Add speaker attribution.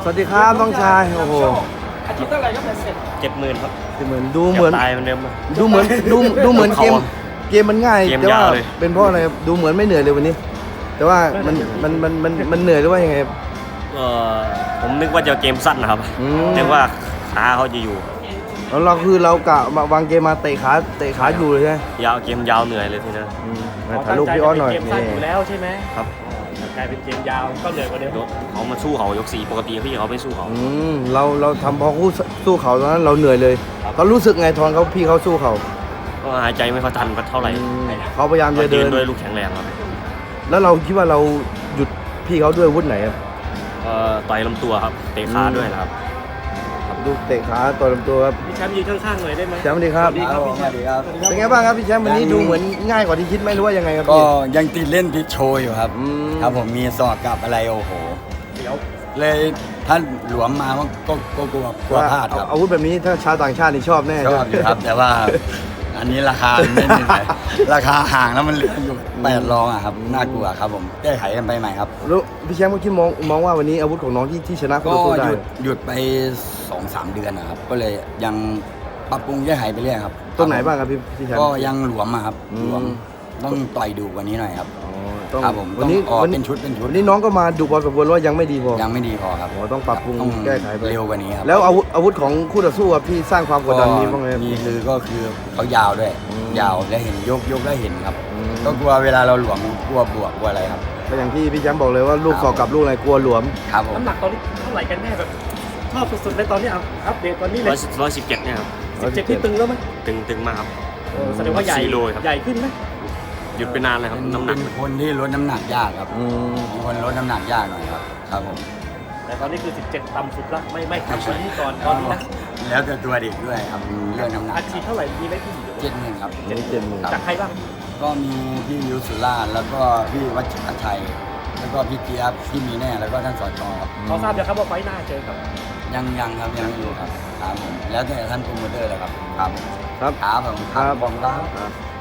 Speaker 1: สวัสดีครับน้องชายโอ้โห
Speaker 2: อาทิตย์เท่าไหร่ก็เป็นเสร็จ
Speaker 3: 70,000 ครับ
Speaker 1: เหมือนดูเหมือน
Speaker 3: ตายเหมือนเดิม
Speaker 1: ดูเหมือนดูเหมือนเกม
Speaker 3: เขาอะ
Speaker 1: เกมมันง่าย
Speaker 3: เกม
Speaker 1: แต่ว่าย
Speaker 3: าวเลย
Speaker 1: เป็นเพราะอะไรครับดูเหมือนไม่เหนื่อยเลยวันนี้ แต่ว่ามันเหนื่อยหรือว่ายังไงครับ
Speaker 3: ผมนึกว่าจะเกมสั้นนะครับ
Speaker 1: อืม
Speaker 3: นึกว่าขาเขาจะอยู่
Speaker 1: แล้วเราคือเรากะวางเกมมาเตะขาอยู่เลยใช่ไหม
Speaker 3: ยาวเกมยาวเหนื่อยเลยทีนั้น
Speaker 1: ถ่ายรูปพี่ออสหน่อย
Speaker 2: เกมสั้นอยู่
Speaker 1: นี่
Speaker 2: แล้วใช่ไหม
Speaker 3: ครับ
Speaker 2: กลายเป็นเกมยาวก็เหนื่อยกว่าเดิม
Speaker 3: เขามาสู้เขายก4ปกติพี่เขาไม่สู้เขา
Speaker 1: เราทำพอคู่สู้เขาตอนนั้นเราเหนื่อยเลยเขารู้สึกไงตอนพี่เขาสู้เขา
Speaker 3: ก็หายใจไม่ค่อยทันเท่าไหร่
Speaker 1: เขาพยายามจะเดิน
Speaker 3: ด้วยลูกแข็งแรงครับ
Speaker 1: แล้วเราคิดว่าเราหยุดพี่เขาด้วยอาวุธไหนครับ
Speaker 3: ต่อยลำตัวครับเตะขาด้วยนะครับ
Speaker 1: ลูกเตะขาต่อยลำตัวครับ
Speaker 2: พี่แชมป์ยืนข้างๆหน่อยได้ไหม
Speaker 1: แชมป์สวัสดีครับ
Speaker 2: สวัสดีครับพี่แชมป์
Speaker 1: เป็นไงบ้างครับพี่แชมป์วันนี้ดูเหมือนง่ายกว่าที่คิดไหมหรือว่ายังไงครับ
Speaker 4: ก็
Speaker 1: พี่
Speaker 4: ยังติดเล่นติดโชว์อยู่ครับ ครับผมมีสอบกับอะไรโอ้โห
Speaker 2: เดี๋ยว
Speaker 4: เลยท่านหลวมมาก็กลัวพลาดครับ
Speaker 1: อาวุธแบบนี้ถ้าชาวต่างชาตินี่ชอบแน่
Speaker 4: ชอบอยู่ครับ แต่ว่าอันนี้ราคาไม่เหนื่อยราคาห่างแล้วมันเหลืออยู่8 รองอะครับน่ากลัวครับผมแก้ไขกันไปใหม่ครับ
Speaker 1: แล้วพี่แชมป์ก็คิดมองว่าวันนี้อาวุธของน้องที่ชนะคู่
Speaker 4: ก็
Speaker 1: ต่อสู้ได้
Speaker 4: หยุดไป 2-3 เดือนนะครับ ก็เลยยังปรับปรุงแก้ไขไปเรื่อยครับ
Speaker 1: ตรงไหนบ้างครับพี่แชมป์
Speaker 4: ก็ยังหลวมอะครับ
Speaker 1: อืม
Speaker 4: หลวมต้องต่อยดูกว่านี้หน่อยครับ
Speaker 1: อ๋อต้อง
Speaker 4: ครับผม
Speaker 1: วันนี้
Speaker 4: ต้องออก
Speaker 1: วัน
Speaker 4: เป็นชุด
Speaker 1: วันนี้น้องก็มาดูพอสมควรว่ายังไม่ดีพอ
Speaker 4: ยังไม่ดีพอครับ
Speaker 1: อ๋อต้องปรับปรุง
Speaker 4: ต้อง
Speaker 1: แก้ไขไป
Speaker 4: เร็วกว่านี้ครับ
Speaker 1: แล้วอาวุธของคู่ต่อสู้ครับพี่สร้างความกดดันมีบ้างไหม
Speaker 4: มีก็คือเขายาวด้วย
Speaker 1: อืม
Speaker 4: ยาวแล้วเห็นยกแล้วเห็นครับ
Speaker 1: อืม
Speaker 4: ก็กลัวเวลาเราหลวมกลัวบวกกลัวอะไรครับ
Speaker 1: ก็อย่างที่พี่แชมป์บอกเลยว่าลูก
Speaker 4: ครับ
Speaker 1: ศอกกับลูกอะไรกลัวหลวม
Speaker 4: ครับผม
Speaker 2: น้ำหนักตอนนี้เท่าไหร่กันแน่แบบชอบสุดๆเลยตอนนี้อัปเดตตอนนี้เลย
Speaker 3: 117เนี่ยครับ
Speaker 2: 17ที่ตึงแล้วไหม
Speaker 3: ตึงมากครับ
Speaker 2: แสดงว่าใหญ่
Speaker 3: 4 โลครับ
Speaker 2: ใหญ่ขึ้นไหม
Speaker 3: หยุดไปนานเลยครับ
Speaker 4: เป็น
Speaker 3: น้ำหนัก
Speaker 4: เป็นคนที่ลดน้ำหนักยากครับ
Speaker 1: อืม
Speaker 4: เป็นคนลดน้ำหนักยากหน่อยครับครับผม
Speaker 2: แต่ตอนนี้คือ 17 ต่ำสุดละไม่ขับไปที่ก่อนตอนนี้นะ
Speaker 4: แล้วแต่ตัวเด็กด้วยครับเรื่องน้ำหนัก
Speaker 2: อาชีพเท่าไหร่มีไหมพี่
Speaker 4: 70,000ครับ
Speaker 1: เจ็ดหมื่น
Speaker 4: ครับ
Speaker 2: จากใครบ้าง
Speaker 4: ก็มีพี่ยุสุราชแล้วก็พี่วัชรชัย แล้วก็พี่เจี๊ยบพี่มีแน่แล้วก็ท่านสจครับ
Speaker 2: เขาทราบยังครับว่าไฟล์หน้าเจอกับ
Speaker 4: ยังครับยังไม่รู้ครับครับผมแล้วแต่ท่านโปรโมเตอร์เลยครับครับ
Speaker 1: ครับ
Speaker 4: ครับผม
Speaker 1: ครับ
Speaker 4: ผมครับ
Speaker 1: ครับ